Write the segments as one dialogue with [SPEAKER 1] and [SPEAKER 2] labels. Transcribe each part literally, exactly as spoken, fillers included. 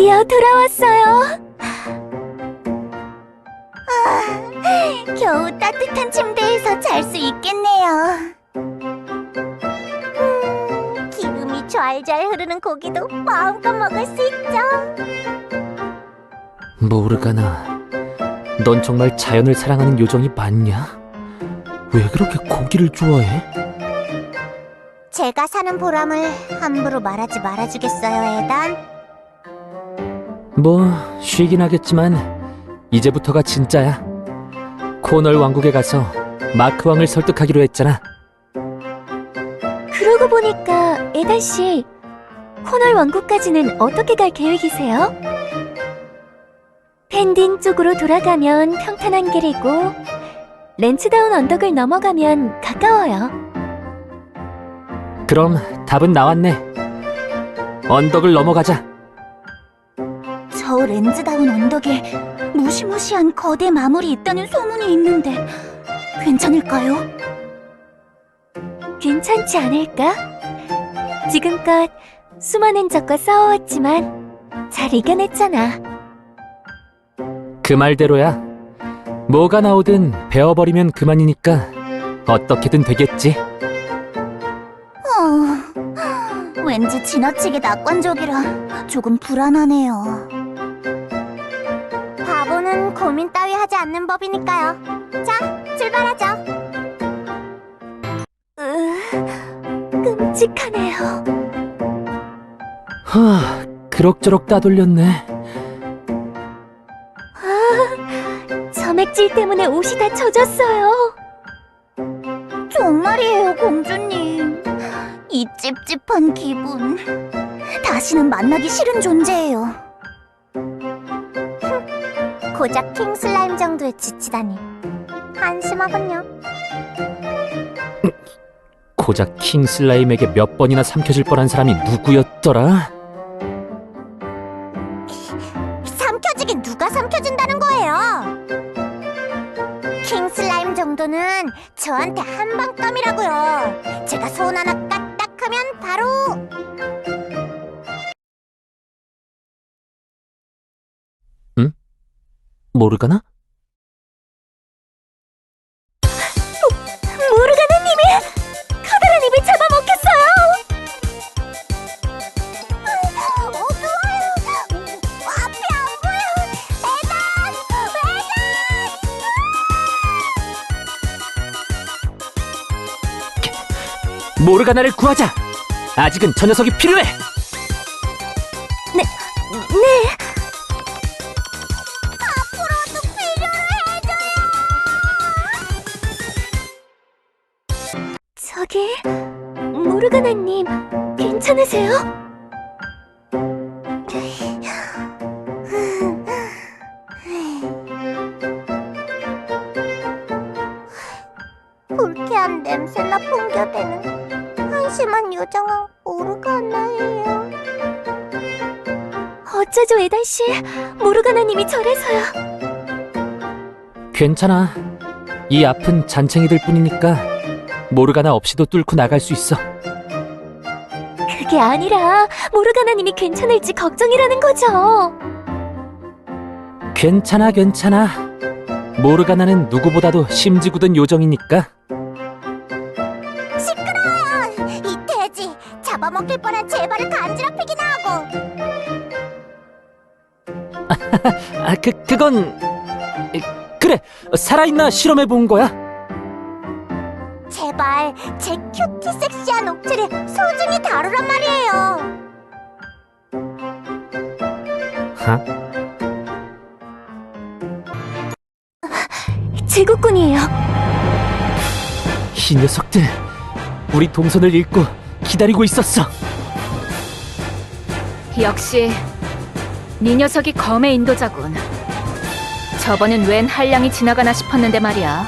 [SPEAKER 1] 드디어 돌아왔어요.
[SPEAKER 2] 아, 겨우 따뜻한 침대에서 잘 수 있겠네요. 음, 기름이 좔좔 흐르는 고기도 마음껏 먹을 수 있죠.
[SPEAKER 3] 모르가나, 넌 정말 자연을 사랑하는 요정이 맞냐? 왜 그렇게 고기를 좋아해?
[SPEAKER 2] 제가 사는 보람을 함부로 말하지 말아주겠어요, 에단?
[SPEAKER 3] 뭐, 쉬긴 하겠지만 이제부터가 진짜야. 코널 왕국에 가서 마크 왕을 설득하기로 했잖아.
[SPEAKER 1] 그러고 보니까 에단 씨, 코널 왕국까지는 어떻게 갈 계획이세요? 펜딘 쪽으로 돌아가면 평탄한 길이고 렌츠다운 언덕을 넘어가면 가까워요.
[SPEAKER 3] 그럼 답은 나왔네. 언덕을 넘어가자.
[SPEAKER 2] 저 렌즈다운 언덕에 무시무시한 거대 마물이 있다는 소문이 있는데 괜찮을까요?
[SPEAKER 1] 괜찮지 않을까? 지금껏 수많은 적과 싸워왔지만 잘 이겨냈잖아.
[SPEAKER 3] 그 말대로야. 뭐가 나오든 베어버리면 그만이니까 어떻게든 되겠지.
[SPEAKER 2] 어, 왠지 지나치게 낙관적이라 조금 불안하네요. 바보는 고민 따위 하지 않는 법이니까요. 자, 출발하죠.
[SPEAKER 1] 으, 끔찍하네요.
[SPEAKER 3] 하, 그럭저럭 따돌렸네.
[SPEAKER 1] 점액질 때문에 옷이 다 젖었어요.
[SPEAKER 2] 정말이에요, 공주님. 이 찝찝한 기분. 다시는 만나기 싫은 존재예요. 고작 킹슬라임 정도에 지치다니. 한심하군요.
[SPEAKER 3] 고작 킹슬라임에게 몇 번이나 삼켜질 뻔한 사람이 누구였더라?
[SPEAKER 2] 삼켜지긴 누가 삼켜진다는 거예요? 킹슬라임 정도는 저한테 한방감이라고요. 제가 손 하나 까딱하면 바로...
[SPEAKER 3] 응? 모르가나?
[SPEAKER 1] 모르가나님이 커다란 입을 잡아먹혔어요.
[SPEAKER 2] 어두워요. 앞이 안 보여. 에단! 에단!
[SPEAKER 3] 모르가나를 구하자! 아직은 저 녀석이 필요해!
[SPEAKER 1] 네.
[SPEAKER 2] 앞으로도 필요로 해줘요.
[SPEAKER 1] 저기, 모르가나님, 괜찮으세요?
[SPEAKER 2] 불쾌한 냄새나 풍겨대는 한심한 요정은 모르가나예요.
[SPEAKER 1] 어쩌죠, 에단 씨? 모르가나님이 저래서요.
[SPEAKER 3] 괜찮아. 이 앞은 잔챙이들 뿐이니까 모르가나 없이도 뚫고 나갈 수 있어.
[SPEAKER 1] 그게 아니라 모르가나님이 괜찮을지 걱정이라는 거죠.
[SPEAKER 3] 괜찮아, 괜찮아. 모르가나는 누구보다도 심지 굳은 요정이니까.
[SPEAKER 2] 시끄러워요. 이 돼지 잡아먹힐 뻔한 제 발을 간지럽히기나 하고.
[SPEAKER 3] 아, 그, 그건... 그래, 살아있나 실험해 본 거야.
[SPEAKER 2] 제발 제 큐티 섹시한 옥체를 소중히 다루란 말이에요.
[SPEAKER 3] 하?
[SPEAKER 1] 제국군이에요.
[SPEAKER 3] 이 녀석들, 우리 동선을 읽고 기다리고 있었어.
[SPEAKER 4] 역시 네 녀석이 검의 인도자군. 저번엔 웬 한량이 지나가나 싶었는데 말이야.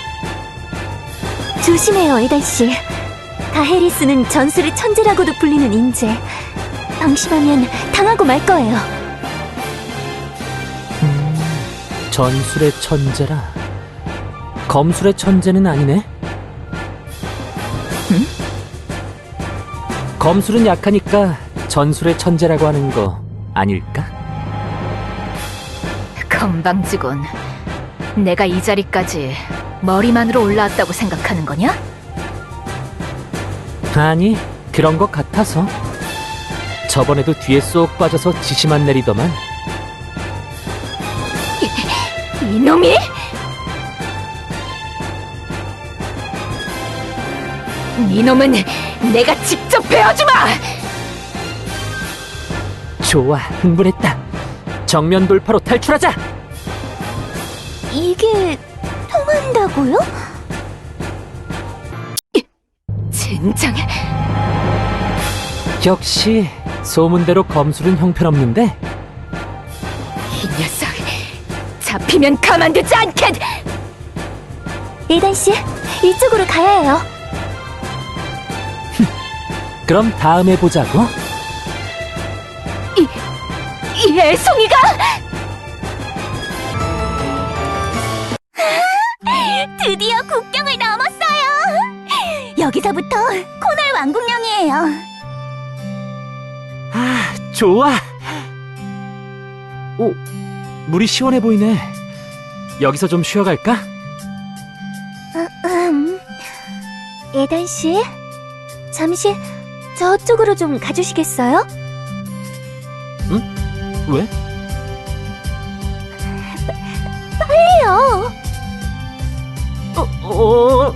[SPEAKER 1] 조심해요, 에단 씨. 다헤리스는 전술의 천재라고도 불리는 인재. 방심하면 당하고 말 거예요.
[SPEAKER 3] 음, 전술의 천재라. 검술의 천재는 아니네.
[SPEAKER 1] 응?
[SPEAKER 3] 검술은 약하니까 전술의 천재라고 하는 거 아닐까?
[SPEAKER 4] 건방지군. 내가 이 자리까지 머리만으로 올라왔다고 생각하는 거냐?
[SPEAKER 3] 아니, 그런 것 같아서. 저번에도 뒤에 쏙 빠져서 지시만 내리더만.
[SPEAKER 4] 이놈이! 이놈은 내가 직접 베어주마!
[SPEAKER 3] 좋아, 흥분했다. 정면 돌파로 탈출하자!
[SPEAKER 1] 이게 통한다고요?
[SPEAKER 4] 젠장,
[SPEAKER 3] 역시 소문대로 검술은 형편없는데?
[SPEAKER 4] 이 녀석 잡히면 가만두지 않겠!
[SPEAKER 1] 에단 씨, 이쪽으로 가야 해요.
[SPEAKER 3] 그럼 다음에 보자고.
[SPEAKER 4] 이 애송이가!
[SPEAKER 2] 드디어 국경을 넘었어요. 여기서부터 코널 왕국령이에요.
[SPEAKER 3] 아, 좋아. 오, 물이 시원해 보이네. 여기서 좀 쉬어갈까?
[SPEAKER 1] 음, 에단 씨, 잠시 저쪽으로 좀 가주시겠어요?
[SPEAKER 3] 왜?
[SPEAKER 1] 해요.
[SPEAKER 3] 어, 어...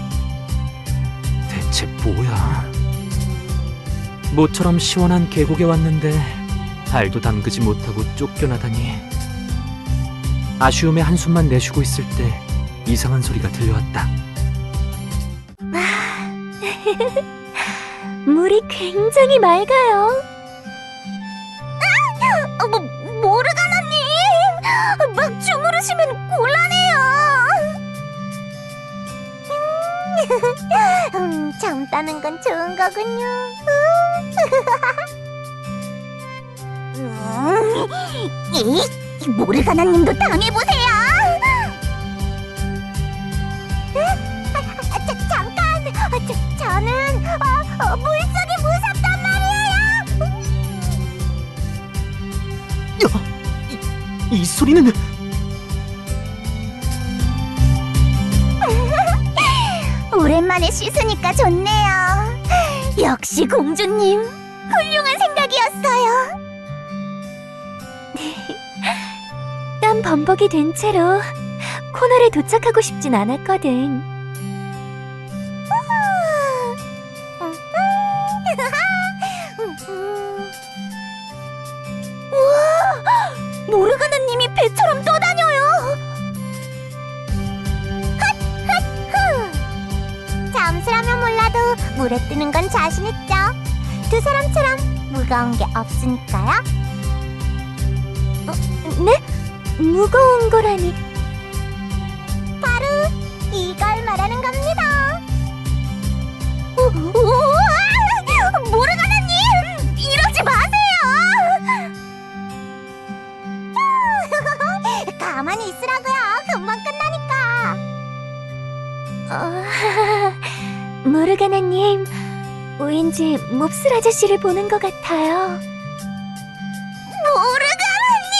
[SPEAKER 3] 대체 뭐야? 모처럼 시원한 계곡에 왔는데 발도 담그지 못하고 쫓겨나다니. 아쉬움에 한숨만 내쉬고 있을 때 이상한 소리가 들려왔다.
[SPEAKER 1] 물이 굉장히 맑아요.
[SPEAKER 2] 어, 뭐, 모르가나님! 막 주무르시면 곤란해요. 음, 잠자는 건 좋은 거군요. 음, 이 모르가나님도 당해보세요. 아, 자, 잠깐! 아, 저, 저는 어, 어, 물속이 무섭단 말이에요.
[SPEAKER 3] 이, 이 소리는...
[SPEAKER 2] 오랜만에 씻으니까 좋네요. 역시 공주님, 훌륭한 생각이었어요.
[SPEAKER 1] 땀 범벅이 된 채로 코널에 도착하고 싶진 않았거든.
[SPEAKER 2] 우와, 모르가나님이 배처럼 떠다녀요. 핫! 잠수라면 몰라도 물에 뜨는 건 자신 있죠. 두 사람처럼 무거운 게 없으니까요.
[SPEAKER 1] 네? 무거운 거라니.
[SPEAKER 2] 바로 이걸 말하는 겁니다. 우, 우와! 모르가나님! 이러지 마세요! 가만히 있으라고요. 금방 끝나니까.
[SPEAKER 1] 어, 모르가나님, 왠지 몹쓸 아저씨를 보는 것 같아요.
[SPEAKER 2] 모르가나님!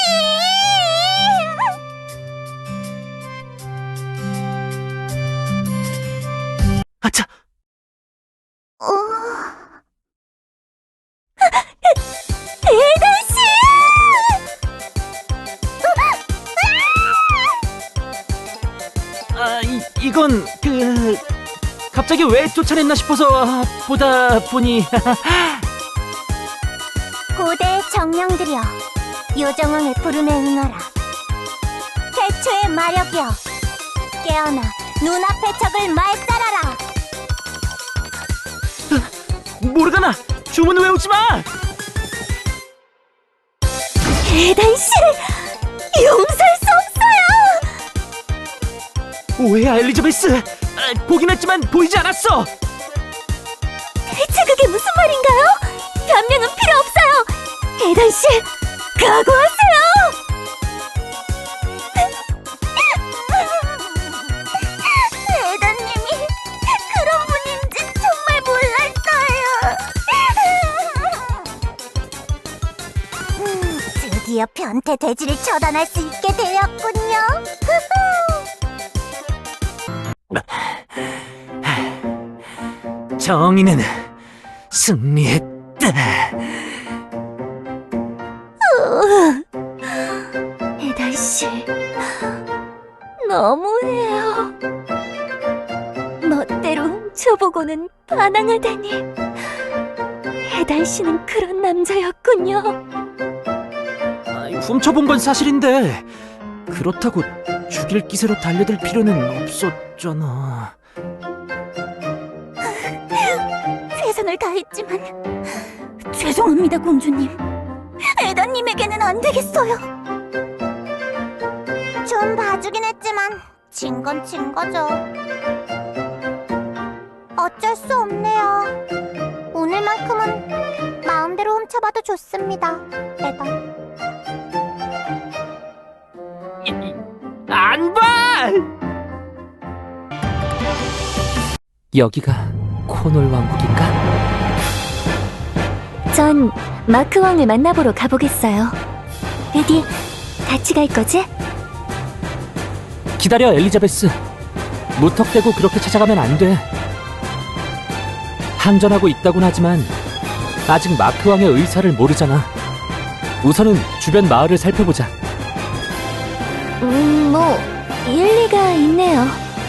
[SPEAKER 3] 아차!
[SPEAKER 2] 어... 에단씨!
[SPEAKER 3] 아, 이, 이건 그... 갑자기 왜 쫓아냈나 싶어서 보다 보니...
[SPEAKER 2] 고대 정령들이여, 요정왕의 부름에 응하라. 태초의 마력이여, 깨어나 눈앞의 적을 말살하라.
[SPEAKER 3] 모르가나! 주문 외우지 마!
[SPEAKER 1] 에단씨, 용서할 수 없어요!
[SPEAKER 3] 오해야, 엘리자베스! 아, 보긴 했지만 보이지 않았어!
[SPEAKER 1] 대체 그게 무슨 말인가요? 변명은 필요 없어요! 에단씨, 각오하세요!
[SPEAKER 2] 에단님이 그런 분인지 정말 몰랐어요. 음, 드디어 드디어 변태 돼지를 처단할 수 있게 되었군요.
[SPEAKER 3] 정의는 승리했다.
[SPEAKER 1] 에달 씨, 너무해요. 멋대로 훔쳐보고는 반항하다니. 에달 씨는 그런 남자였군요.
[SPEAKER 3] 아이, 훔쳐본 건 사실인데 그렇다고 죽일 기세로 달려들 필요는 없었잖아.
[SPEAKER 1] 최선을 다했지만 죄송합니다, 공주님. 에다님에게는 안 되겠어요.
[SPEAKER 2] 좀 봐주긴 했지만 진 건 진 거죠. 어쩔 수 없네요. 오늘만큼은 마음대로 훔쳐봐도 좋습니다. 에단.
[SPEAKER 3] 안 봐! 여기가 코놀 왕국인가?
[SPEAKER 1] 전 마크 왕을 만나보러 가보겠어요. 에디, 같이 갈 거지?
[SPEAKER 3] 기다려, 엘리자베스. 무턱대고 그렇게 찾아가면 안 돼. 항전하고 있다곤 하지만 아직 마크 왕의 의사를 모르잖아. 우선은 주변 마을을 살펴보자.
[SPEAKER 1] 음, 뭐 일리가 있네요.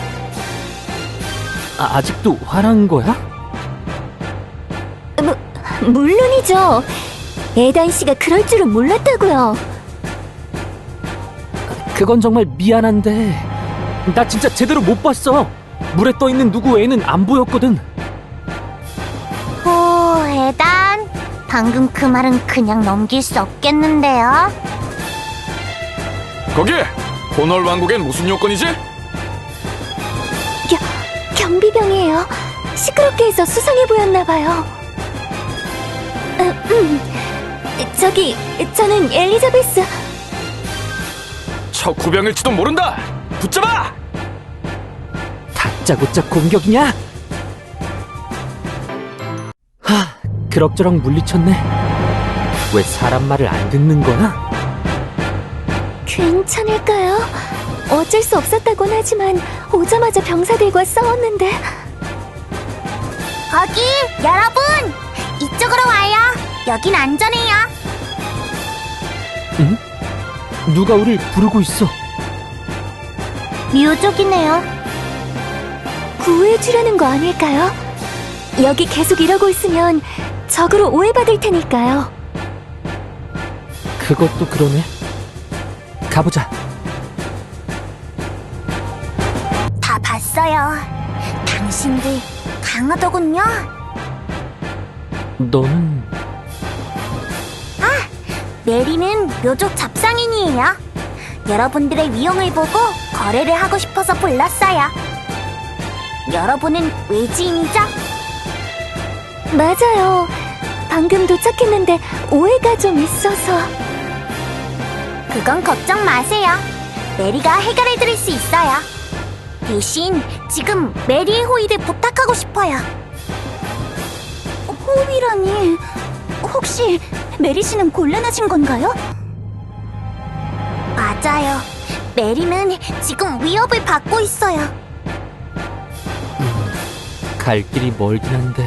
[SPEAKER 3] 아, 아직도 화난 거야?
[SPEAKER 1] 무, 물론이죠. 에단 씨가 그럴 줄은 몰랐다고요.
[SPEAKER 3] 그건 정말 미안한데 나 진짜 제대로 못 봤어. 물에 떠있는 누구 외에는 안 보였거든.
[SPEAKER 2] 오, 에단. 방금 그 말은 그냥 넘길 수 없겠는데요.
[SPEAKER 5] 거기! 코널 왕국엔 무슨 요건이지?
[SPEAKER 1] 겨, 경비병이에요. 시끄럽게 해서 수상해 보였나봐요. 음, 음. 저기, 저는 엘리자베스.
[SPEAKER 5] 척후병일지도 모른다! 붙잡아!
[SPEAKER 3] 다짜고짜 공격이냐? 하, 그럭저럭 물리쳤네. 왜 사람 말을 안 듣는 거야?
[SPEAKER 1] 괜찮을까요? 어쩔 수 없었다곤 하지만 오자마자 병사들과 싸웠는데.
[SPEAKER 2] 거기, 여러분! 이쪽으로 와요. 여긴 안전해요.
[SPEAKER 3] 응? 누가 우릴 부르고 있어?
[SPEAKER 2] 묘족이네요.
[SPEAKER 1] 구해주려는 거 아닐까요? 여기 계속 이러고 있으면 적으로 오해받을 테니까요.
[SPEAKER 3] 그것도 그러네. 가보자.
[SPEAKER 2] 다 봤어요. 당신들 강하더군요.
[SPEAKER 3] 너는
[SPEAKER 2] 메리는 묘족 잡상인이에요. 여러분들의 위용을 보고 거래를 하고 싶어서 불렀어요. 여러분은 외지인이죠?
[SPEAKER 1] 맞아요. 방금 도착했는데 오해가 좀 있어서.
[SPEAKER 2] 그건 걱정 마세요. 메리가 해결해 드릴 수 있어요. 대신 지금 메리의 호의를 부탁하고 싶어요.
[SPEAKER 1] 호위라니, 혹시 메리 씨는 곤란하신 건가요?
[SPEAKER 2] 맞아요. 메리는 지금 위협을 받고 있어요.
[SPEAKER 3] 갈 길이 멀긴 한데.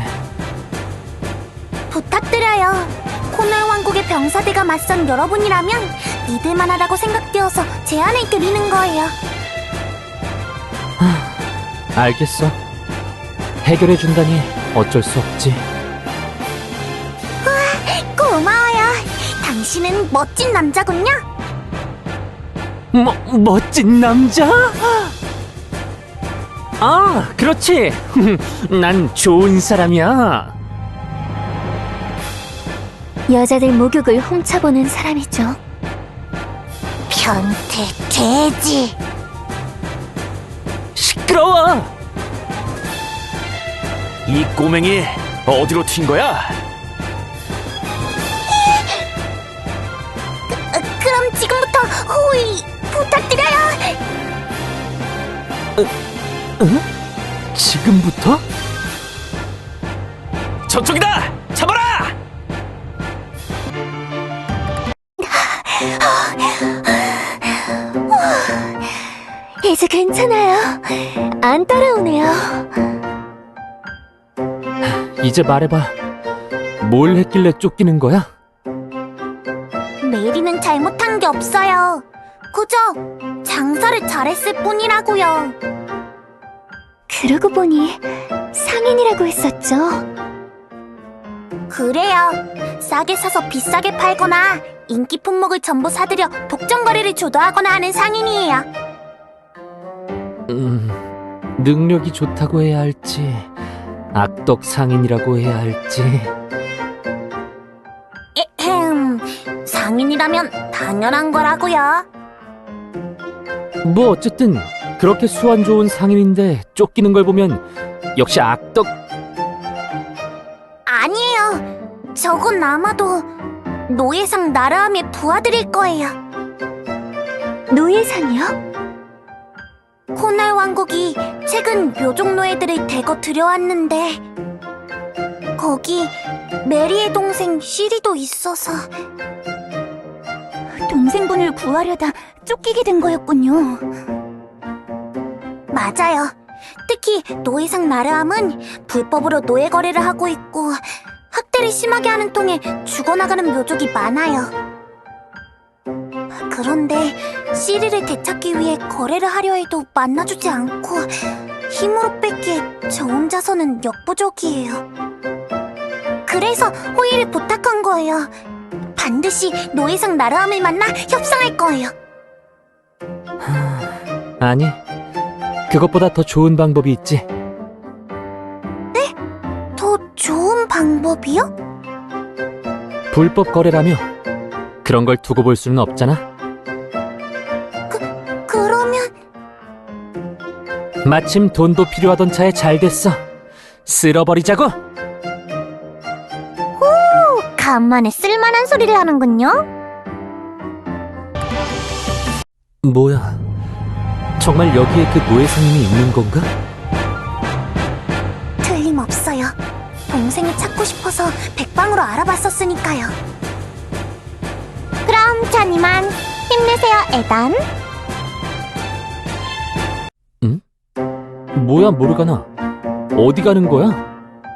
[SPEAKER 2] 부탁드려요. 코널 왕국의 병사대가 맞선 여러분이라면 믿을만하다고 생각되어서 제안을 드리는 거예요.
[SPEAKER 3] 알겠어. 해결해준다니 어쩔 수 없지.
[SPEAKER 2] 고마워요. 당신은 멋진 남자군요.
[SPEAKER 3] 뭐, 멋진 남자? 아, 그렇지. 난 좋은 사람이야.
[SPEAKER 1] 여자들 목욕을 훔쳐보는 사람이죠.
[SPEAKER 2] 변태 돼지.
[SPEAKER 3] 시끄러워.
[SPEAKER 5] 이 꼬맹이 어디로 튄 거야?
[SPEAKER 2] 어, 그럼 지금부터 호의 부탁드려요.
[SPEAKER 3] 응? 지금부터?
[SPEAKER 5] 저쪽이다! 잡아라!
[SPEAKER 1] 이제 괜찮아요. 안 따라오네요.
[SPEAKER 3] 이제 말해봐. 뭘 했길래 쫓기는 거야?
[SPEAKER 2] 메리는 잘못한 게 없어요. 그저 장사를 잘했을 뿐이라고요.
[SPEAKER 1] 그러고 보니 상인이라고 했었죠.
[SPEAKER 2] 그래요. 싸게 사서 비싸게 팔거나 인기 품목을 전부 사들여 독점 거래를 주도하거나 하는 상인이에요.
[SPEAKER 3] 음, 능력이 좋다고 해야 할지, 악덕 상인이라고 해야 할지.
[SPEAKER 2] 에헴, 상인이라면 당연한 거라고요.
[SPEAKER 3] 뭐 어쨌든 그렇게 수완 좋은 상인인데 쫓기는 걸 보면 역시 악덕.
[SPEAKER 2] 아니에요. 저건 아마도 노예상 나라함의 부하들일 거예요.
[SPEAKER 1] 노예상이요?
[SPEAKER 2] 코날 왕국이 최근 묘족 노예들을 대거 들여왔는데 거기 메리의 동생 시리도 있어서
[SPEAKER 1] 동생분을 구하려다 쫓기게 된 거였군요.
[SPEAKER 2] 맞아요. 특히 노예상 나르함은 불법으로 노예 거래를 하고 있고 학대를 심하게 하는 통에 죽어나가는 묘족이 많아요. 그런데 시리를 되찾기 위해 거래를 하려 해도 만나주지 않고 힘으로 뺏기에 저 혼자서는 역부족이에요. 그래서 호의를 부탁한 거예요. 반드시 노예상 나르함을 만나 협상할 거예요.
[SPEAKER 3] 아니, 그것보다 더 좋은 방법이 있지.
[SPEAKER 2] 더 좋은 방법이요?
[SPEAKER 3] 불법 거래라며 그런 걸 두고 볼 수는 없잖아.
[SPEAKER 2] 그러면
[SPEAKER 3] 마침 돈도 필요하던 차에 잘 됐어. 쓸어버리자고.
[SPEAKER 2] 간만에 쓸만한 소리를 하는군요.
[SPEAKER 3] 뭐야, 정말 여기에 그 노예 상인이 있는 건가?
[SPEAKER 2] 틀림없어요. 동생이 찾고 싶어서 백방으로 알아봤었으니까요. 그럼 전 이만 힘내세요, 에단.
[SPEAKER 3] 뭐야, 모르가나. 어디 가는 거야?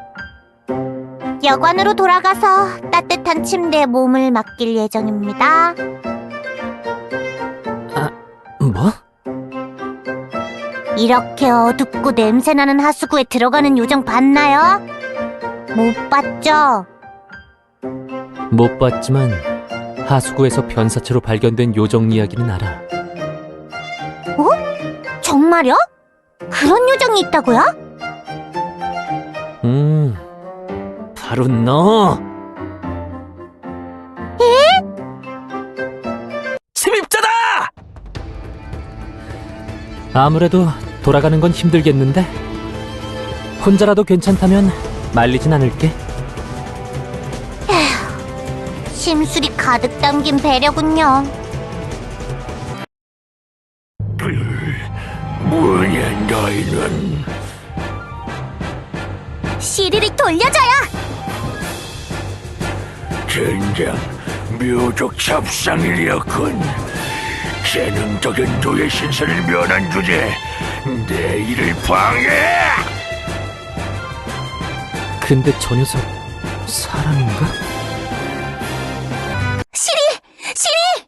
[SPEAKER 2] 여관으로 돌아가서 따뜻한 침대에 몸을 맡길 예정입니다.
[SPEAKER 3] 뭐?
[SPEAKER 2] 이렇게 어둡고 냄새나는 하수구에 들어가는 요정 봤나요? 못 봤죠?
[SPEAKER 3] 못 봤지만 하수구에서 변사체로 발견된 요정 이야기는 알아.
[SPEAKER 2] 정말요? 그런 요정이 있다고요?
[SPEAKER 3] 음, 바로 너.
[SPEAKER 2] 에?
[SPEAKER 5] 침입자다!
[SPEAKER 3] 아무래도 돌아가는 건 힘들겠는데? 혼자라도 괜찮다면 말리진 않을게.
[SPEAKER 2] 심술이 가득 담긴 배려군요.
[SPEAKER 5] 뭐냐 너희는.
[SPEAKER 2] 시리를 돌려줘요!
[SPEAKER 5] 젠장 묘족 잡상일이었군. 재능적인 노예 신세를 면한 주제 내 일을 방해!
[SPEAKER 3] 근데 저 녀석 사람인가?
[SPEAKER 2] 시리! 시리!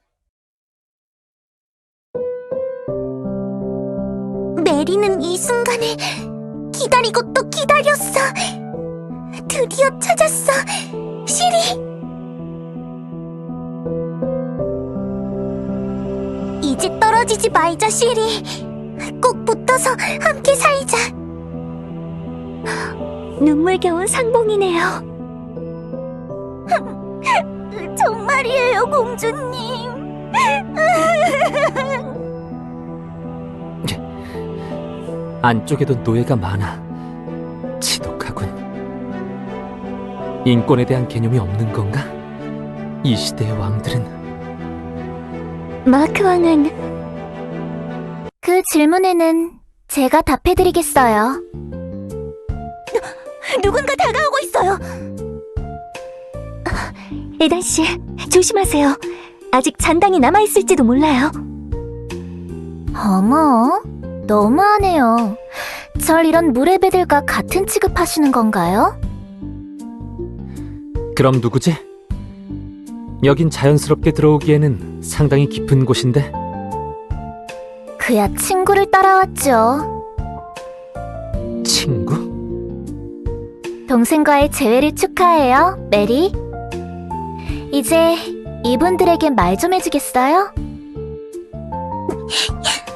[SPEAKER 2] 메리는 이 순간을 기다리고 또 기다렸어. 드디어 찾았어. 시리! 이제 떨어지지 말자, 시리. 꼭 붙어서 함께 살자.
[SPEAKER 1] 눈물겨운 상봉이네요.
[SPEAKER 2] 정말이에요, 공주님.
[SPEAKER 3] 안쪽에도 노예가 많아. 지독하군. 인권에 대한 개념이 없는 건가? 이 시대의 왕들은.
[SPEAKER 1] 마크 왕은
[SPEAKER 2] 그 질문에는 제가 답해드리겠어요. 누군가 다가오고 있어요.
[SPEAKER 1] 에단 씨, 조심하세요. 아직 잔당이 남아있을지도 몰라요.
[SPEAKER 2] 어머, 너무하네요. 절 이런 무례배들과 같은 취급하시는 건가요?
[SPEAKER 3] 그럼 누구지? 여긴 자연스럽게 들어오기에는 상당히 깊은 곳인데.
[SPEAKER 2] 그야 친구를 따라왔죠.
[SPEAKER 3] 친구?
[SPEAKER 2] 동생과의 재회를 축하해요, 메리. 이제 이분들에게 말 좀 해주겠어요?